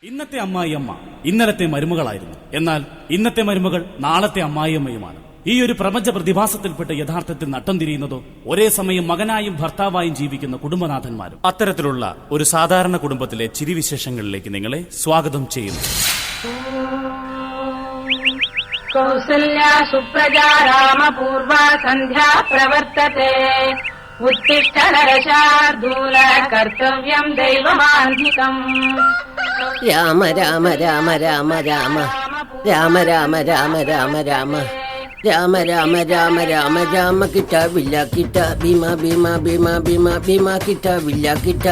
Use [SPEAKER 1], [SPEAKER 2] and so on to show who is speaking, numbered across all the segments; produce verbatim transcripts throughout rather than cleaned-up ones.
[SPEAKER 1] ഇന്നത്തെ അമ്മായിയമ്മ ഇന്നലത്തെ മരുമകളായിരുന്നു. എന്നാൽ ഇന്നത്തെ മരുമകൾ നാളത്തെ അമ്മായിയമ്മയുമാണ്. ഈ ഒരു പ്രപഞ്ച പ്രതിഭാസത്തിൽപ്പെട്ട് യഥാർത്ഥത്തിൽ നട്ടം തിരിയുന്നതോ ഒരേ സമയം മകനായും ഭർത്താവായും ജീവിക്കുന്ന കുടുംബനാഥന്മാരും. അത്തരത്തിലുള്ള ഒരു സാധാരണ കുടുംബത്തിലെ ചിരിവിശേഷങ്ങളിലേക്ക് നിങ്ങളെ സ്വാഗതം ചെയ്യുന്നു.
[SPEAKER 2] കൗസല്യാ സുപ്രജാ രാമപൂർവ സന്ധ്യാ പ്രവർത്തത്തെ ഉത്തിഷ്ഠ നരശാർദൂല കർത്തവ്യം ദൈവമാന്തികം.
[SPEAKER 3] രാമ രാമ രാമ രാമ രാമ രാമ രാമ രാമ രാമ രാമ രാമ രാമ രാമ രാമ രാമ കിട്ട വില്ല കിട്ട ഭീമ ഭീമ ഭീമ ഭീമ ഭീമ കിട്ട വില്ല കിട്ട.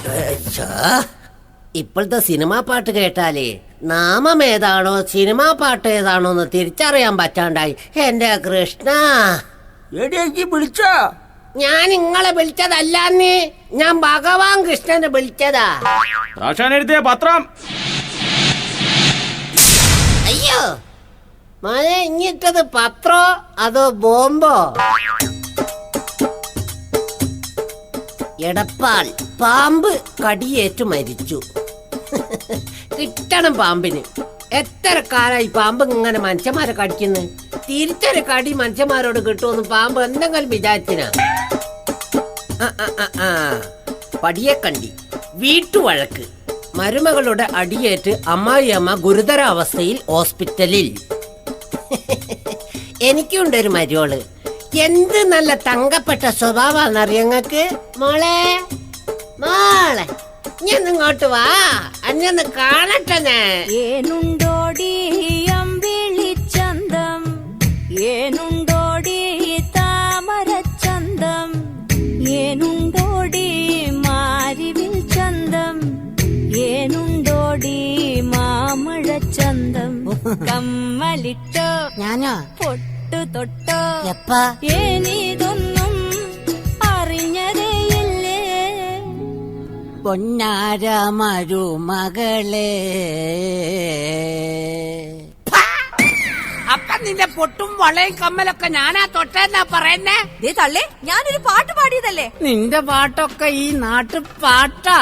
[SPEAKER 3] ഇപ്പോഴത്തെ സിനിമാ പാട്ട് കേട്ടാലേ നാമം ഏതാണോ സിനിമാ പാട്ട് ഏതാണോ എന്ന് തിരിച്ചറിയാൻ പറ്റാണ്ടായി. എന്റെ കൃഷ്ണ,
[SPEAKER 4] വിളിച്ച
[SPEAKER 3] ഞാൻ നിങ്ങളെ വിളിച്ചതല്ലാന്ന്, ഞാൻ ഭഗവാൻ കൃഷ്ണനെ വിളിച്ചതാ.
[SPEAKER 4] എഴുതിയ പത്രം.
[SPEAKER 3] അയ്യോ മഴ ഇങ്ങിട്ടത് പത്രോ അതോ ബോംബോ? എടപ്പാൾ പാമ്പ് കടിയേറ്റു മരിച്ചു. കിട്ടണം പാമ്പിന്. എത്ര കാലായി പാമ്പ് ഇങ്ങനെ മനുഷ്യന്മാരെ കടിക്കുന്നു. തിരിച്ചൊരു കടി മനുഷ്യന്മാരോട് കിട്ടുമെന്ന് പാമ്പ് എന്തെങ്കിലും വിചാരിച്ചിനാ? പടിയെ കണ്ടി വീട്ടുവഴക്ക്. മരുമകളുടെ അടിയേറ്റ് അമ്മായിയമ്മ ഗുരുതരാവസ്ഥയിൽ ഹോസ്പിറ്റലിൽ. എനിക്കുണ്ടൊരു മരുമോള്. എന്ത് നല്ല തങ്കപ്പെട്ട സ്വഭാവന്നറിയങ്ങക്ക്. മോളെ മോളെ ഞാൻ ഇങ്ങോട്ട് വാ, അഞ്ഞൊന്ന് കാണട്ടെ.
[SPEAKER 5] ഏനുണ്ടോടി അമ്പിളിച്ചന്തം, ഏനുണ്ടോടി താമരച്ചന്തം, ഏനുണ്ടോടി മാരിവിൽ ചന്തം, ഏനുണ്ടോടി മാമഴച്ചന്തം. കമ്മലിട്ടോ
[SPEAKER 3] ഞാനോ
[SPEAKER 5] പൊട്ടു തൊട്ടോ
[SPEAKER 3] എപ്പാ
[SPEAKER 5] ഏനിതൊന്നും അറിഞ്ഞതേയില്ലേ.
[SPEAKER 3] പൊന്നാര മരുമകളെ.
[SPEAKER 4] അപ്പൊ നിന്റെ പൊട്ടും വളയും കമ്മലൊക്കെ ഞാനാ തൊട്ടെന്നാ പറയുന്നേ.
[SPEAKER 5] ദേ തള്ളേ, ഞാനൊരു പാട്ട് പാടിയതല്ലേ.
[SPEAKER 3] നിന്റെ പാട്ടൊക്കെ ഈ നാട്ടു പാട്ടാ.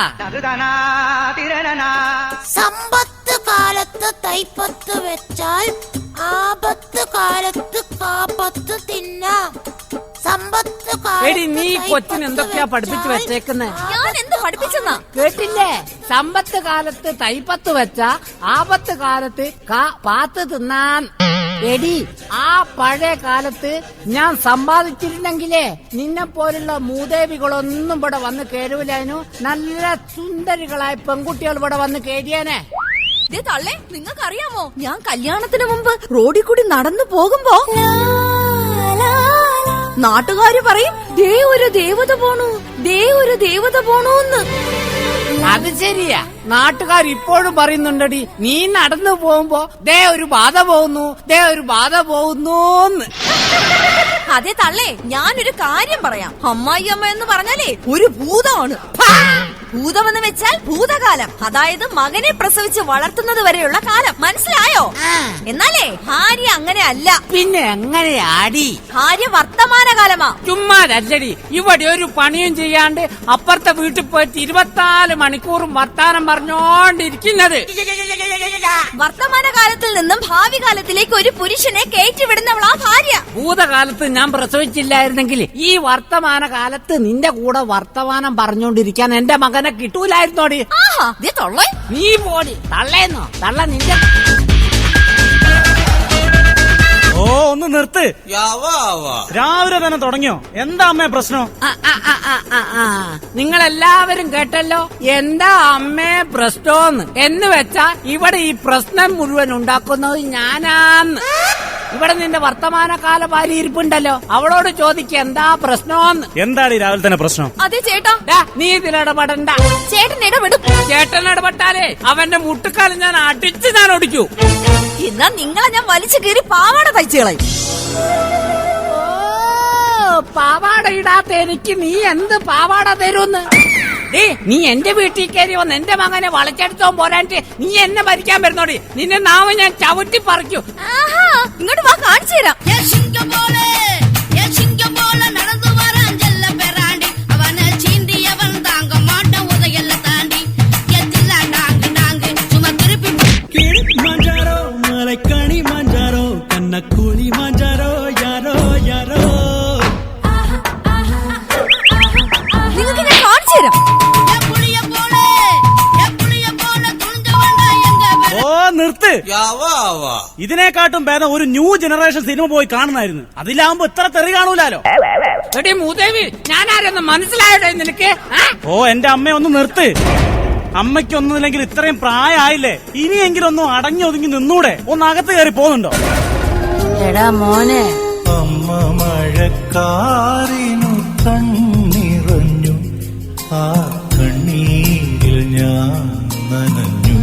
[SPEAKER 6] സമ്പത്ത് കാലത്ത് തൈപ്പത്ത് വെച്ചാൽ ആപത്ത് കാലത്ത് കാപ്പത്ത് തിന്നാം. സമ്പത്ത്
[SPEAKER 3] എടി നീ കൊച്ചിന് എന്തൊക്കെയാ പഠിപ്പിച്ചു വെച്ചേക്കുന്നേ?
[SPEAKER 5] ഞാൻ എന്ത് പഠിപ്പിച്ചെന്നാ
[SPEAKER 3] കേട്ടില്ലേ? സമ്പത്ത് കാലത്ത് തൈപ്പത്ത് വെച്ച ആപത്ത് കാലത്ത് പാത്ത് തിന്നാൻ. എടി ആ പഴയ കാലത്ത് ഞാൻ സമ്പാദിച്ചിരുന്നെങ്കിലേ നിന്നെ പോലുള്ള മൂദേവികളൊന്നും ഇവിടെ വന്ന് കേരൂലായിരുന്നു. നല്ല സുന്ദരികളായ പെൺകുട്ടികൾ ഇവിടെ വന്ന് കേരിയാനെ.
[SPEAKER 5] ദേ തള്ളേ, നിങ്ങൾക്കറിയാമോ, ഞാൻ കല്യാണത്തിന് മുമ്പ് റോഡിൽ കൂടി നടന്നു പോകുമ്പോ നാട്ടുകാര് പറയും ദേ ഒരു ദേവത പോണു, ദേ ഒരു ദേവത പോണൂന്ന്.
[SPEAKER 3] അത് ശരിയാ, നാട്ടുകാർ ഇപ്പോഴും പറയുന്നുണ്ടടി. നീ നടന്നു പോകുമ്പോ ദേ ഒരു ബാധ പോകുന്നു, ദേ ഒരു ബാധ പോകുന്നൂന്ന്.
[SPEAKER 5] അതെ തള്ളേ, ഞാനൊരു കാര്യം പറയാം. അമ്മായി അമ്മ എന്ന് പറഞ്ഞാലേ ഒരു ഭൂതമാണ്. ഭൂതമെന്ന് വെച്ചാൽ ഭൂതകാലം, അതായത് മകനെ പ്രസവിച്ച് വളർത്തുന്നത് വരെയുള്ള കാലം. മനസ്സിലായോ? എന്നാലേ ഭാര്യ അങ്ങനെ അല്ല.
[SPEAKER 3] പിന്നെ എങ്ങനെയാടി?
[SPEAKER 5] ഭാര്യ വർത്തമാനകാലമാ.
[SPEAKER 3] ചുമ്മാതല്ലടി, ഇവിടെ ഒരു പണിയും ചെയ്യാണ്ട് അപ്പുറത്തെ വീട്ടിൽ പോയിട്ട് ഇരുപത്തിനാല് മണിക്കൂറും വർത്താനം പറഞ്ഞോണ്ടിരിക്കുന്നത്.
[SPEAKER 5] വർത്തമാനകാലത്തിൽ നിന്നും ഭാവി കാലത്തിലേക്ക് ഒരു പുരുഷനെ കയറ്റിവിടുന്നവളാ ഭാര്യ.
[SPEAKER 3] ഭൂതകാലത്ത് ഞാൻ പ്രസവിച്ചില്ലായിരുന്നെങ്കിൽ ഈ വർത്തമാന കാലത്ത് നിന്റെ കൂടെ വർത്തമാനം പറഞ്ഞോണ്ടിരിക്കാൻ എന്റെ മകനെ കിട്ടൂലായിരുന്നോടി. നീ പോടി തള്ളേന്നോ. തള്ള നിന്റെ
[SPEAKER 1] ഓ ഒന്ന് നിർത്ത്. രാവിലെ തന്നെ തുടങ്ങിയോ? എന്താ അമ്മേ പ്രശ്നം?
[SPEAKER 3] നിങ്ങളെല്ലാവരും കേട്ടല്ലോ എന്താ അമ്മേ പ്രശ്നോന്ന്. എന്ന് വെച്ചാ ഇവിടെ ഈ പ്രശ്നം മുഴുവൻ ഉണ്ടാക്കുന്നത് ഞാനാന്ന്. ഇവിടെ നിന്റെ വർത്തമാനകാല ഭാര്യ ഇരിപ്പുണ്ടല്ലോ, അവളോട് ചോദിക്ക എന്താ പ്രശ്നോന്ന്.
[SPEAKER 1] എന്താണ് ഈ രാവിലെ തന്നെ പ്രശ്നം?
[SPEAKER 5] അതെ ചേട്ടാ.
[SPEAKER 3] നീ ഇതിലിടപെടണ്ട.
[SPEAKER 5] ചേട്ടൻ ഇടപെടും.
[SPEAKER 3] ചേട്ടൻ ഇടപെട്ടാലേ അവന്റെ മുട്ടുകാലം ഞാൻ അടിച്ച് ഞാൻ ഒടിക്കൂ.
[SPEAKER 5] എന്നാ നിങ്ങളെ ഞാൻ വലിച്ചു കയറി പാവാട തയ്ച്ചു കളയും.
[SPEAKER 3] പാവാട ഇടാത്ത എനിക്ക് നീ എന്ത് പാവാട തരൂന്ന്? നീ എന്റെ വീട്ടിൽ കയറി വന്ന് എന്റെ മകനെ വളച്ചെടുത്തോ പോരാണ്ട് നീ എന്നെ ഭരിക്കാൻ വരുന്നോടി. നിന്നെ നാവ് ഞാൻ ചവിട്ടി പറിക്കൂ.
[SPEAKER 5] ഇങ്ങോട്ട് വാ, കാണിച്ചു തരാം.
[SPEAKER 6] നടന്നു വരാൻ ജല്ല പെറാണ്ടി അവനെ ചീന്തി അവൻ താങ്ക മാട്ട ഉദയല്ല താണ്ടി എത്തില്ല ടാങ്ക് ടാങ്ക് ചുമക്ക്
[SPEAKER 1] നിർത്ത്. ഇതിനെക്കാട്ടും ഭേദം ഒരു ന്യൂ ജനറേഷൻ സിനിമ പോയി കാണുന്നായിരുന്നു. അതിലാവുമ്പോ ഇത്ര തെറി കാണൂലാലോ.
[SPEAKER 4] എടി മൂദേവി, ഞാനാരെന്ന് മനസ്സിലായോ നിനക്ക്?
[SPEAKER 1] ഓ എന്റെ അമ്മ ഒന്ന് നിർത്ത്. അമ്മയ്ക്കൊന്നുമില്ലെങ്കിൽ ഇത്രയും പ്രായമായില്ലേ, ഇനിയെങ്കിലും ഒന്നും അടങ്ങി ഒതുങ്ങി നിന്നൂടെ? ഒന്ന് അകത്ത് കയറി പോകുന്നുണ്ടോ?
[SPEAKER 3] എടാ മോനെ,
[SPEAKER 7] അമ്മ മഴക്കാറിനു കണ്ണിറഞ്ഞു, ആ കണ്ണീരിൽ ഞാൻ നനഞ്ഞു.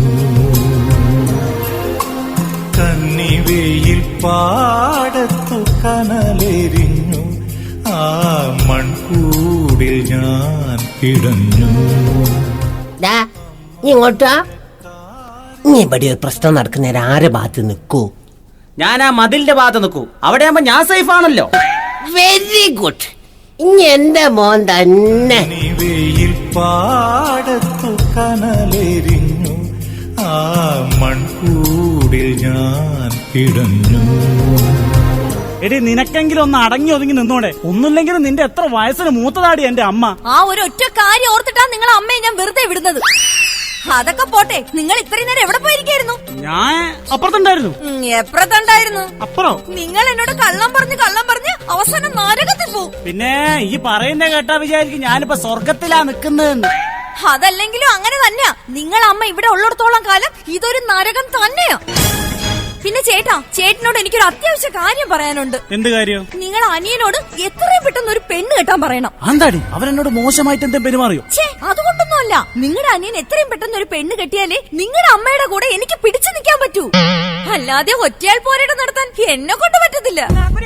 [SPEAKER 7] കന്നിവെയിൽ പാടത്തു കനലെരിഞ്ഞു, ആ മൺകൂടിൽ ഞാൻ കിടഞ്ഞു.
[SPEAKER 8] നീ ഇങ്ങോട്ടാ? നീ ഇവിടെ ഒരു പ്രശ്നം നടക്കുന്നേരം ആരെ ഭാഗത്ത് നിൽക്കൂ?
[SPEAKER 9] ഞാൻ ആ മതിലിന്റെ ഭാഗത്ത് നിൽക്കൂ. അവിടെ ആകുമ്പോ ഞാൻ സേഫ് ആണല്ലോ.
[SPEAKER 8] Very good. ഇനി എന്റെ മോൻ തന്നെ.
[SPEAKER 7] കന്നിവെയിൽ പാടത്തു കനലെരിഞ്ഞു, ആ മൺകൂടിൽ ഞാൻ കിടഞ്ഞു.
[SPEAKER 1] എടി നിനക്കെങ്കിലും ഒന്ന് അടങ്ങി ഒതുങ്ങി നിന്നോടെ? ഒന്നുമില്ലെങ്കിലും നിന്റെ എത്ര വയസ്സിന് മൂത്തതാടി എന്റെ അമ്മ.
[SPEAKER 5] ആ ഒരു ഒറ്റ കാര്യം ഓർത്തിട്ടാ നിങ്ങളെ അമ്മയെ ഞാൻ വെറുതെ വിടുന്നത്. അതൊക്കെ പോട്ടെ, നിങ്ങൾ ഇത്രയും നേരം എവിടെ പോയിരിക്കായിരുന്നു?
[SPEAKER 1] ഞാൻ അപ്പുറത്തുണ്ടായിരുന്നു.
[SPEAKER 5] എപ്പുറത്തുണ്ടായിരുന്നു?
[SPEAKER 1] അപ്പുറം.
[SPEAKER 5] നിങ്ങൾ എന്നോട് കള്ളം പറഞ്ഞ് കള്ളം പറഞ്ഞ് അവസാനം നരകത്തിൽ പോവും.
[SPEAKER 1] പിന്നെ ഈ പറയുന്ന കേട്ടാ വിചാരിക്കും ഞാനിപ്പോ സ്വർഗത്തിലാ നിക്കുന്നതെന്ന്.
[SPEAKER 5] അതല്ലെങ്കിലും അങ്ങനെ തന്നെയാ. നിങ്ങൾ അമ്മ ഇവിടെ ഉള്ളിടത്തോളം കാലം ഇതൊരു നരകം തന്നെയാ. പിന്നെ ചേട്ടാ, ചേട്ടനോട് എനിക്കൊരു അത്യാവശ്യ കാര്യം പറയാനുണ്ട്.
[SPEAKER 1] എന്ത് കാര്യം?
[SPEAKER 5] നിങ്ങൾ അനിയനോട് എത്രയും പെട്ടെന്ന് ഒരു പെണ്ണ് കെട്ടാൻ പറയണം.
[SPEAKER 1] എന്താടി അവൻ എന്നോട് മോശമായിട്ട് എന്തെങ്കിലും പെരുമാറിയോ?
[SPEAKER 5] ഛേ, അതുകൊണ്ടൊന്നുമല്ല. നിങ്ങളുടെ അനിയൻ എത്രയും പെട്ടെന്ന് ഒരു പെണ്ണ് കെട്ടിയാലേ നിങ്ങളുടെ അമ്മയുടെ കൂടെ എനിക്ക് പിടിച്ചു നിൽക്കാൻ പറ്റൂ. അല്ലാതെ ഒറ്റയാൾ പോരാട്ടം നടത്താൻ എന്നെ കൊണ്ട് പറ്റത്തില്ല.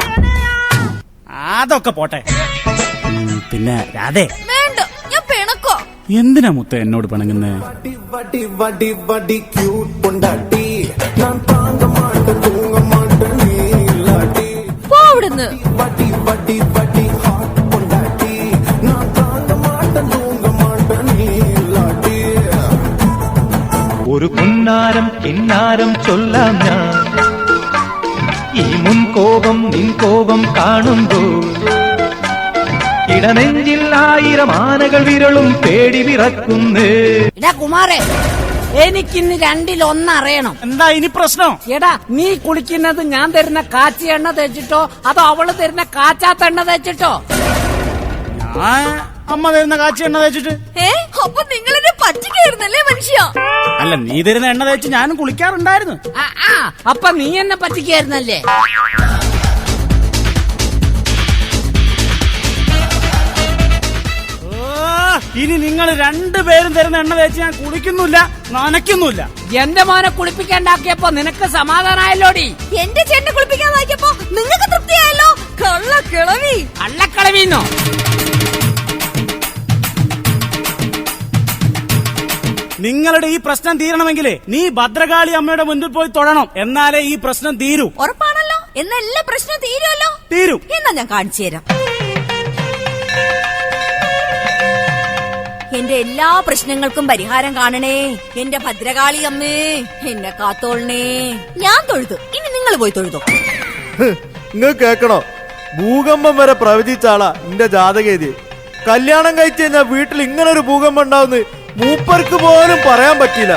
[SPEAKER 1] അതൊക്കെ പോട്ടെ. പിന്നെ രാധേ,
[SPEAKER 5] വേണ്ട, ഞാൻ പിണക്കോ.
[SPEAKER 1] എന്തിനാ മുത്ത എന്നോട് പിണങ്ങുന്നേ?
[SPEAKER 5] പോ അവിടുന്ന്.
[SPEAKER 7] ഒരു പുന്നാരം കിന്നാരം ചൊല്ലാം ഞാൻ, ഈ മുൻകോപം നിൻകോപം കാണുമ്പോൾ ഇടനെഞ്ചിൽ ആയിരം ആനകൾ വിരളും പേടി വിറക്കുന്നേ.
[SPEAKER 3] എടാ കുമാരേ, എനിക്കിന്ന് രണ്ടിലൊന്നറിയണം.
[SPEAKER 1] എന്താ ഇനി പ്രശ്നം?
[SPEAKER 3] എടാ, നീ കുളിക്കുന്നത് ഞാൻ തരുന്ന കാച്ചി എണ്ണ തേച്ചിട്ടോ അതോ അവള് തരുന്ന കാച്ചാത്ത എണ്ണ തേച്ചിട്ടോ?
[SPEAKER 1] ഞാൻ അമ്മ തരുന്ന കാച്ചി എണ്ണ തേച്ചിട്ട്.
[SPEAKER 5] ഏ, അപ്പൊ നിങ്ങൾ എന്നെ പറ്റിക്കായിരുന്നല്ലേ മനുഷ്യ?
[SPEAKER 1] അല്ല, നീ തരുന്ന എണ്ണ തേച്ച് ഞാനും കുളിക്കാറുണ്ടായിരുന്നു.
[SPEAKER 3] ആ, ആ, അപ്പൊ നീ എന്നെ പറ്റിക്കായിരുന്നല്ലേ?
[SPEAKER 1] ഇനി നിങ്ങൾ രണ്ടുപേരും തരുന്ന എണ്ണ തേച്ച് ഞാൻ കുളിക്കുന്നില്ല, നനയ്ക്കുന്നില്ല.
[SPEAKER 3] എന്റെ മോനെ കുളിപ്പിക്കാണ്ടാക്കിയപ്പോ നിനക്ക് സമാധാനായല്ലോടി.
[SPEAKER 5] എന്റെ ചേട്ടനെ കുളിപ്പിക്കാൻ വായിക്കപ്പോ നിങ്ങൾക്ക് തൃപ്തിയായല്ലോ. കള്ള കിളവി.
[SPEAKER 3] അള്ളക്കളവീന്നോ?
[SPEAKER 1] നിങ്ങളുടെ ഈ പ്രശ്നം തീരണമെങ്കിലേ നീ ഭദ്രകാളി അമ്മയുടെ മുൻപിൽ പോയി തൊഴണം. എന്നാലേ ഈ പ്രശ്നം തീരൂ.
[SPEAKER 5] ഉറപ്പാണല്ലോ? എന്നാ എല്ലാ പ്രശ്നവും തീരുമല്ലോ?
[SPEAKER 1] തീരും.
[SPEAKER 5] എന്നാ ഞാൻ കാണിച്ചു തരാം. എന്റെ എല്ലാ പ്രശ്നങ്ങൾക്കും പരിഹാരം കാണണേ എന്റെ ഭദ്രകാളി അമ്മേ, എന്നെ കാത്തോളണേ. ഞാൻ തൊഴുതു, ഇനി നിങ്ങൾ പോയി തൊഴുതോ.
[SPEAKER 10] നിങ്ങൾ കേക്കണോ? ഭൂകമ്പം വരെ പ്രവചിച്ചാളാ എന്റെ ജാതകേതി. കല്യാണം കഴിച്ചു കഴിഞ്ഞാൽ വീട്ടിൽ ഇങ്ങനെ ഒരു ഭൂകമ്പം ഉണ്ടാവുന്ന മൂപ്പർക്ക് പോലും പറയാൻ പറ്റില്ല.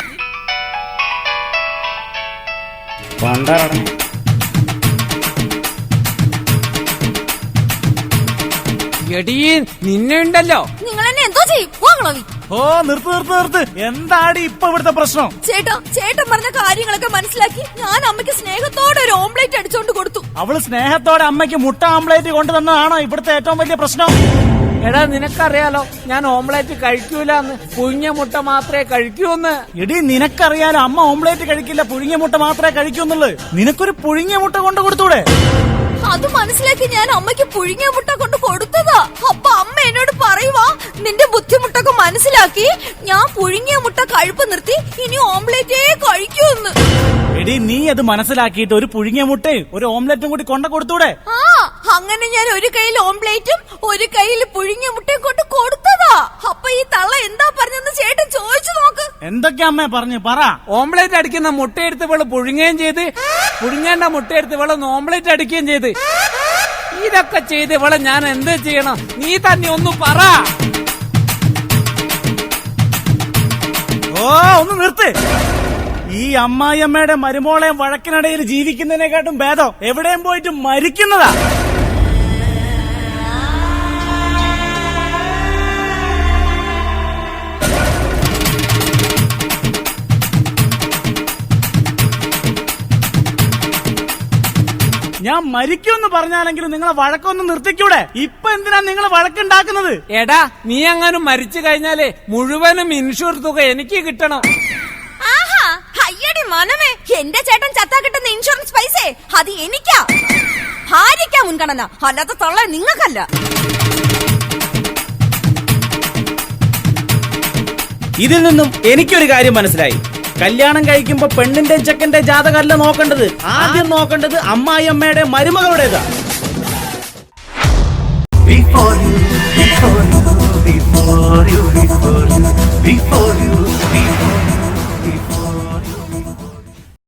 [SPEAKER 3] എടീ, നിന്നെ ഉണ്ടല്ലോ.
[SPEAKER 5] നിങ്ങൾ എന്നെ എന്തോ ചെയ്യും? വാങ്ങളവി.
[SPEAKER 1] ഓ നിർത്ത് നിർത്ത് നിർത്ത്. എന്താടി ഇപ്പൊ ഇവിടുത്തെ പ്രശ്നം?
[SPEAKER 5] ചേട്ടാ, ചേട്ടൻ പറഞ്ഞ കാര്യങ്ങളൊക്കെ മനസ്സിലാക്കി ഞാൻ അമ്മയ്ക്ക് സ്നേഹത്തോടെ ഒരു ഓംപ്ലേറ്റ് അടിച്ചോണ്ട് കൊടുത്തു.
[SPEAKER 1] അവള് സ്നേഹത്തോടെ അമ്മയ്ക്ക് മുട്ട ആംപ്ലേറ്റ് കൊണ്ടുതന്നതാണോ ഇവിടുത്തെ ഏറ്റവും വലിയ പ്രശ്നം?
[SPEAKER 3] എടാ, നിനക്കറിയാലോ ഞാൻ ഓംലേറ്റ് കഴിക്കൂലെന്ന്. പുഴുങ്ങിയ മുട്ട മാത്രമേ കഴിക്കൂന്ന്.
[SPEAKER 1] എടി, നിനക്കറിയാലോ അമ്മ ഓംപ്ലേറ്റ് കഴിക്കില്ല, പുഴുങ്ങിയ മുട്ട മാത്രമേ കഴിക്കൂന്നുള്ളു. നിനക്കൊരു പുഴുങ്ങിയ മുട്ട കൊണ്ട് കൊടുത്തൂടെ?
[SPEAKER 5] അത് മനസ്സിലാക്കി ഞാൻ അമ്മയ്ക്ക് പുഴുങ്ങിയ മുട്ട കൊണ്ട് കൊടുത്തതാ. അപ്പൊ അമ്മ എന്നോട് പറയുവാ, നിന്റെ ബുദ്ധിമുട്ടൊക്കെ മനസ്സിലാക്കി ഞാൻ പുഴുങ്ങിയ മുട്ട കഴിപ്പ് നിർത്തി, ഇനി ഓംലേറ്റേ കഴിക്കൂന്ന്.
[SPEAKER 1] എടി, നീ അത് മനസ്സിലാക്കിയിട്ട് ഒരു പുഴുങ്ങിയ മുട്ടയും ഒരു ഓംലെറ്റും കൂടി കൊണ്ട കൊടുത്തൂടെ?
[SPEAKER 5] ആ, അങ്ങനെ ഞാൻ ഒരു കയ്യിൽ ഓംലേറ്റും ഒരു കയ്യിൽ പുഴുങ്ങിയ മുട്ടയും കൊണ്ട് കൊടുത്തതാ. അപ്പൊ ഈ തള്ള എന്താ പറഞ്ഞെന്ന് ചേട്ടൻ ചോദിച്ചു നോക്ക്.
[SPEAKER 1] എന്തൊക്കെ അമ്മ പറഞ്ഞു പറ.
[SPEAKER 3] ഓംലേറ്റ് അടിക്കുന്ന മുട്ടയെടുത്ത് ഇവള് പുഴുങ്ങുകയും ചെയ്ത്, പുഴുങ്ങേണ്ട മുട്ടയെടുത്ത് ഇവള് ഓംലേറ്റ് അടിക്കുകയും ചെയ്ത്. ഇതൊക്കെ ചെയ്ത് ഇവളെ ഞാൻ എന്ത് ചെയ്യണം? നീ തന്നെ ഒന്ന് പറ.
[SPEAKER 1] ഓ ഒന്ന് നിർത്ത്. ഈ അമ്മായിയമ്മയുടെ മരുമോളെ വഴക്കിനിടയിൽ ജീവിക്കുന്നതിനെക്കാട്ടും ഭേദം എവിടെയും പോയിട്ട് മരിക്കുന്നതാ. ഞാൻ മരിക്കുമെന്ന് പറഞ്ഞാലെങ്കിലും നിങ്ങളെ വഴക്കൊന്ന് നിർത്തിക്കൂടെ? ഇപ്പൊ എന്തിനാ നിങ്ങൾ വഴക്കുണ്ടാക്കുന്നത്?
[SPEAKER 4] എടാ, നീ അങ്ങാനും മരിച്ചു കഴിഞ്ഞാലേ മുഴുവനും ഇൻഷുർ തുക എനിക്ക് കിട്ടണം.
[SPEAKER 5] ആഹാ, അയ്യടി മനമേ, എന്റെ ചേട്ടൻ ചത്താ കിട്ടുന്ന ഇൻഷുറൻസ് പൈസേ അത് എനിക്കാ. ഭാര്യയ്ക്കാ മുൻഗണന, അല്ലാത്ത തള്ള നിങ്ങൾക്കല്ല.
[SPEAKER 9] ഇതിൽ നിന്നും എനിക്കൊരു കാര്യം മനസ്സിലായി. കല്യാണം കഴിക്കുമ്പോ പെണ്ണിന്റെ ചെക്കന്റെ ജാതകമല്ല നോക്കേണ്ടത്, ആദ്യം നോക്കേണ്ടത് അമ്മായിയമ്മയുടെ മരുമകളുടേതാ.